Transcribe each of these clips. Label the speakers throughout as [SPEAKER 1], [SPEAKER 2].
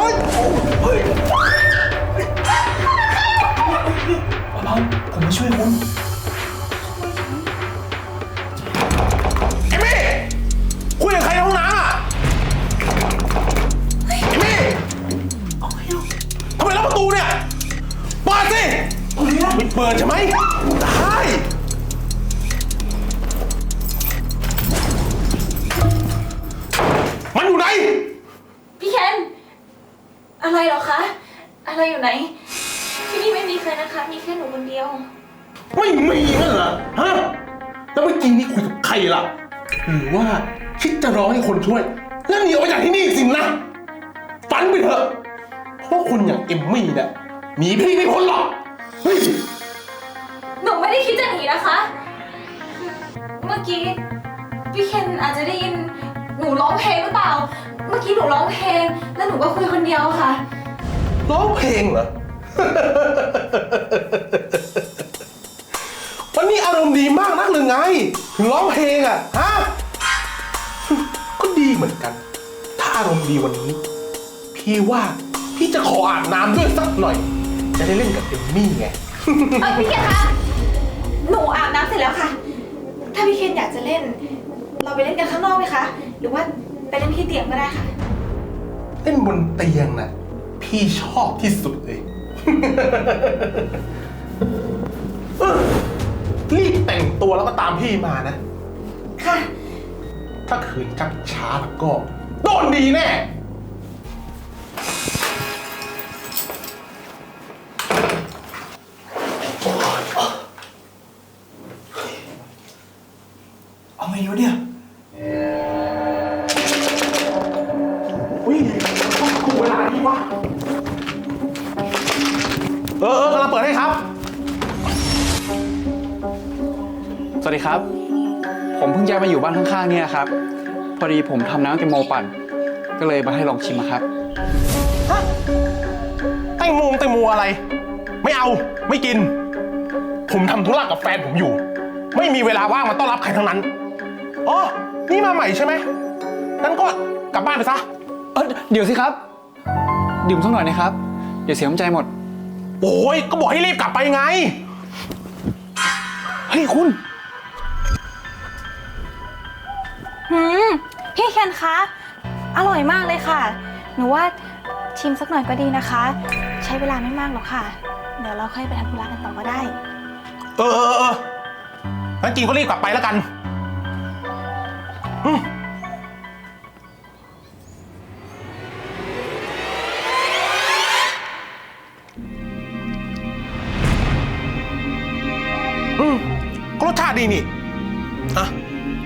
[SPEAKER 1] ยเฮ้ยเบาๆผมมาช่วยคุณ
[SPEAKER 2] เอมี่คุยกับใครในห้องน้ำอ่ะเอมี่ทำไมล็อกประตูเนี่ยเปิดสิไม่เปิดใช่ไหมได้มันอยู่ไหน
[SPEAKER 3] พี่เคนอะไรเหรอคะอะไรอยู่ไหนที่นี่ไม่มีใครนะคะมีแค่หนูคนเดียว
[SPEAKER 2] ไม่มีนั่นเหรอฮะแล้วเมื่อกี้นี่คุยกับใครล่ะหรือว่าคิดจะร้องให้คนช่วยแล้วหนีออกไปจากที่นี่สินะฝันไปเถอะเพราะคนอย่างเอมมี่เนี่ยหนีพี่ไม่พ้นหรอกเฮ้ย
[SPEAKER 3] หนูไม่ได้คิดจะหนีนะคะ เมื่อกี้พี่เคนอาจจะได้ยินหนูร้องเพลงหรือเปล่าเมื่อกี้หนูร้องเพลงแล้วหนูก็คุยคนเดียวค่ะ
[SPEAKER 2] ร้องเพลงเหรอ วันนี้อารมณ์ดีมากนักหรือไงถึงร้องเพลงอ่ะฮะก็ดีเหมือนกันถ้าอารมณ์ดีวันนี้พี่ว่าพี่จะขออาบน้ำด้วยสักหน่อยจะได้เล่นกับเอมมี่ไง
[SPEAKER 3] พี่เคนคะหนูอาบน้ำเสร็จแล้วค่ะถ้าพี่เคนอยากจะเล่นเราไปเล่นกันข้างนอกไหมคะหรือว่าไปเล่นที่เตียงก็ได้ค่ะ
[SPEAKER 2] เล่นบนเตียงน่ะพี่ชอบที่สุดเลยรีบแต่งตัวแล้วก็ตามพี่มานะ
[SPEAKER 3] ค่ะ
[SPEAKER 2] ถ้าขืนชักช้าแล้วก็โดนดีแน่
[SPEAKER 1] เอาไงวะเนี่ย
[SPEAKER 2] อุ้ยต้องถูกเวลาดีวะกำลังเปิดให้ครับ
[SPEAKER 4] สวัสดีครับผมเพิ่งย้ายมาอยู่บ้านข้างๆเนี่ยครับพอดีผมทำน้ำแตงโมปั่นก็เลยมาให้ลองชิมครับ
[SPEAKER 2] ฮะแตงโมอะไร ไม่เอาไม่กินผมทำธุระกับแฟนผมอยู่ไม่มีเวลาว่างมาต้อนรับใครทั้งนั้นอ๋อนี่มาใหม่ใช่ไหมงั้นก็กลับบ้านไปซะ
[SPEAKER 4] เดี๋ยวสิครับดื่มสักหน่อยนะครับเดี๋ยวเสียน้ำใจหมด
[SPEAKER 2] โอ้ยก็บอกให้รีบกลับไปไงเฮ้ยคุณ
[SPEAKER 3] พี่เคนคะอร่อยมากเลยค่ะหนูว่าชิมสักหน่อยก็ดีนะคะใช้เวลาไม่มากหรอกค่ะเดี๋ยวเราค่อยไปทำธุระกันต่อก็ได้
[SPEAKER 2] งั้นกินก็รีบกลับไปแล้วกันก็รสชาติดีนี่อ่ะ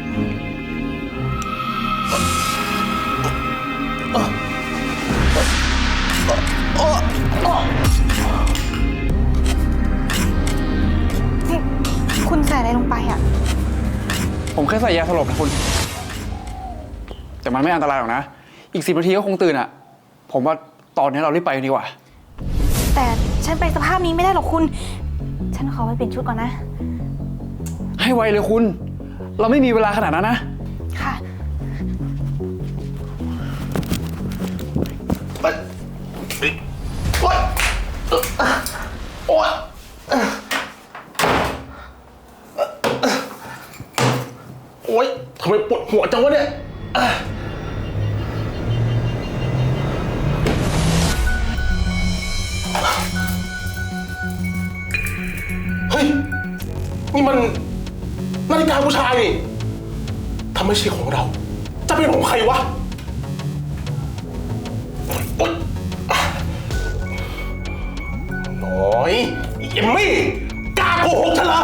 [SPEAKER 3] คุณใส่อะไรลงไปอ่ะ
[SPEAKER 4] ผมแค่ใส่ยาสลบนะคุณแต่มันไม่อันตรายหรอกนะอีก10 นาทีก็คงตื่นอ่ะผมว่าตอนนี้เรารีบไปกันดีกว่า
[SPEAKER 3] แต่ฉันไปสภาพนี้ไม่ได้หรอกคุณฉันขอไปเปลี่ยนชุดก่อนนะ
[SPEAKER 4] ให้ไวเลยคุณเราไม่มีเวลาขนาดนั้นนะ
[SPEAKER 3] ค่ะ
[SPEAKER 2] โอ๊ยโอ๊ยทำไมปวดหัวจังวะเนี่ยเฮ้ยนี่มันนาฬิกาผู้ชายนี่ถ้าไม่ใช่ของเราจะเป็นของใครวะน้อยเอมมี่กล้าโกหกฉันเหรอ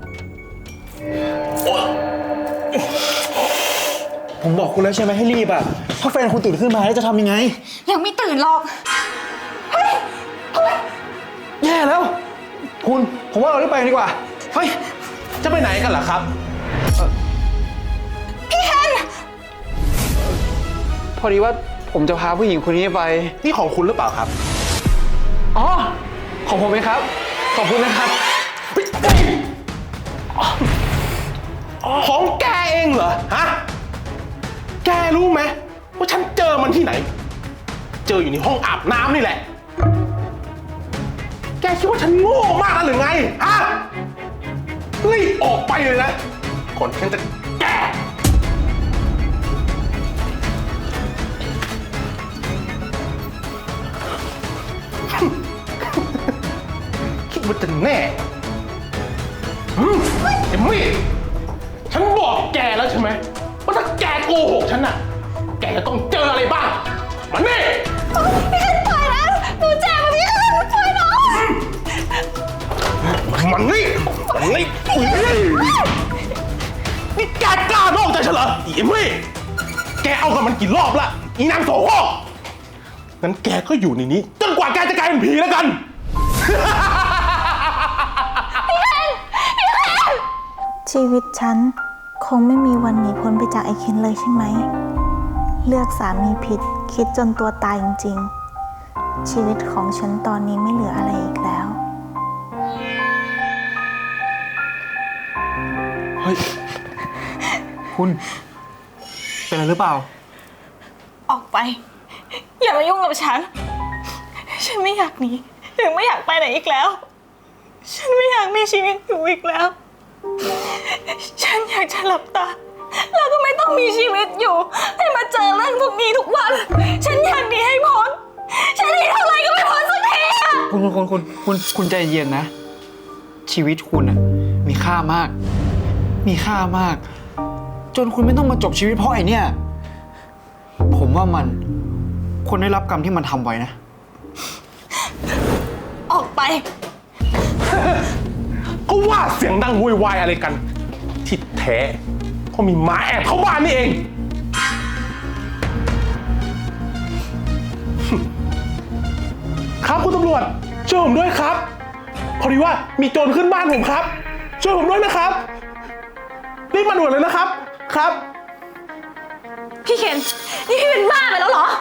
[SPEAKER 1] ผมบอกคุณแล้วใช่ไหมให้รีบอ่ะถ้าแฟนคุณตื่นขึ้นมาแล้วจะทำยังไง
[SPEAKER 3] ยังไม่ตื่นหรอกเฮ้ย
[SPEAKER 1] แย่แล้วคุณผมว่าเรารีบไปดีกว่า
[SPEAKER 2] เฮ้ยจะไปไหนกันล่ะครับ
[SPEAKER 3] พี่เคน
[SPEAKER 4] พอดีว่าผมจะพาผู้หญิงคนนี้ไป
[SPEAKER 2] นี่ของคุณหรือเปล่าครับ
[SPEAKER 4] อ๋อของผมเองครับขอบคุณนะครับ
[SPEAKER 2] ของแกเองเหรอฮะแกรู้ไหมว่าฉันเจอมันที่ไหนเจออยู่ในห้องอาบน้ำนี่แหละ แกคิดว่าฉันโง่มากนะหรือไง ฮะ รีบออกไปเลยนะก่อนฉันจะแก คิดว่าจะแน่เอมมี่ฉันบอกแกแล้วใช่ไหมว่าถ้าแกโกหกฉันน่ะ แกจะต้องเจออะไรบ้างมันนี่
[SPEAKER 3] พี่เคนปล่อยนะหนูเจ็บอะพี่เคนปล่อยน้อง
[SPEAKER 2] มันนี่นี่แกกล้านอกใจฉันเหรอเอมมี่แกเอากับมันกี่รอบละอีนางโสโครกงั้นแกก็อยู่ในนี้จนกว่าแกจะกลายเป็นผีแล้วกัน
[SPEAKER 5] ชีวิตฉันคงไม่มีวันหนีพ้นไปจากไอ้เคนเลยใช่ไหม เลือกสามีผิดคิดจนตัวตายจริงๆ ชีวิตของฉันตอนนี้ไม่เหลืออะไรอีกแล้ว
[SPEAKER 4] เฮ้ย คุณ เป็นอะไรหรือเปล่า
[SPEAKER 5] ออกไป อย่ามายุ่งกับฉัน ฉันไม่อยากหนีหรือไม่อยากไปไหนอีกแล้ว ฉันไม่อยากมีชีวิตอยู่อีกแล้ว ฉันอยากจะหลับตาแล้วก็ไม่ต้องมีชีวิตอยู่ ให้มาเจอเรื่องพวกนี้ทุกวัน ฉันอยากหนีให้พ้น ฉันหนีเท่าไรก็ไม่พ้นสักทีอะ
[SPEAKER 4] คุณใจเย็นนะ ชีวิตคุณอะมีค่ามาก มีค่ามาก จนคุณไม่ต้องมาจบชีวิตเพราะไอ้เนี่ย ผมว่ามันควรได้รับกรรมที่มันทำไว้นะ
[SPEAKER 5] ออกไป
[SPEAKER 2] ก็ว่าเสียงดังโวยวายอะไรกัน ที่แท้ก็มีหมาแอบเข้าบ้านนี่เอง ครับคุณตำรวจช่วยผมด้วยครับ พอดีว่ามีโจรขึ้นบ้านผมครับ ช่วยผมด้วยนะครับรีบมาด่วนเลยนะครับครับ
[SPEAKER 3] พี่เคนนี่พี่เป็นบ้าไปแล้วเหรอ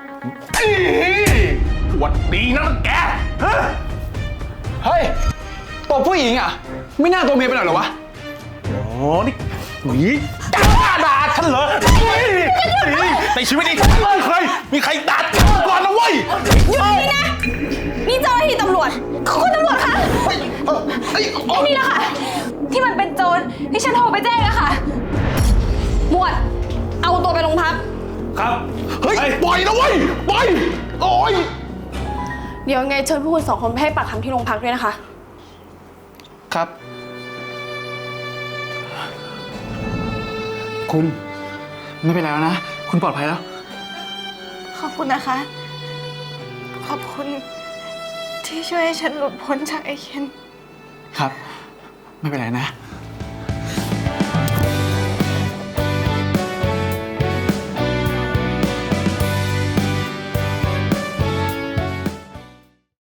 [SPEAKER 2] หวัดดีนะแกฮะ
[SPEAKER 4] เฮ้ยตบผู้หญิงอ่ะ ไม่น่าตัวเมียไปหน่อยเหรอวะ
[SPEAKER 2] อ๋อนี่หนีกล้าด่าฉันเหรอในชีวิตนี้ไม่เคยมีใครด่าฉันมาก่อนนะเว้ย
[SPEAKER 3] นี่เจ้าหน้าที่ตำรวจคุณตำรวจคะไอ้นี่แหละค่ะ ที่มันเป็นโจรที่ฉันโทรไปแจ้งอะค่ะ หมวด เอาตัวไปโรงพัก
[SPEAKER 2] ครับ เฮ้ย ปล่อยนะเว้ย ปล่อย โอ้ย
[SPEAKER 6] เดี๋ยวไงเชิญพวกคุณ2 คนไปให้ปากคำที่โรงพักด้วยนะคะ
[SPEAKER 4] ครับ คุณไม่เป็นไรแล้วนะ คุณปลอดภัยแล้ว
[SPEAKER 5] ขอบคุณนะคะ ขอบคุณที่ช่วยให้ฉันหลุดพ้นจากไอ้เคน
[SPEAKER 4] ครับ ไม่เป็นไรนะ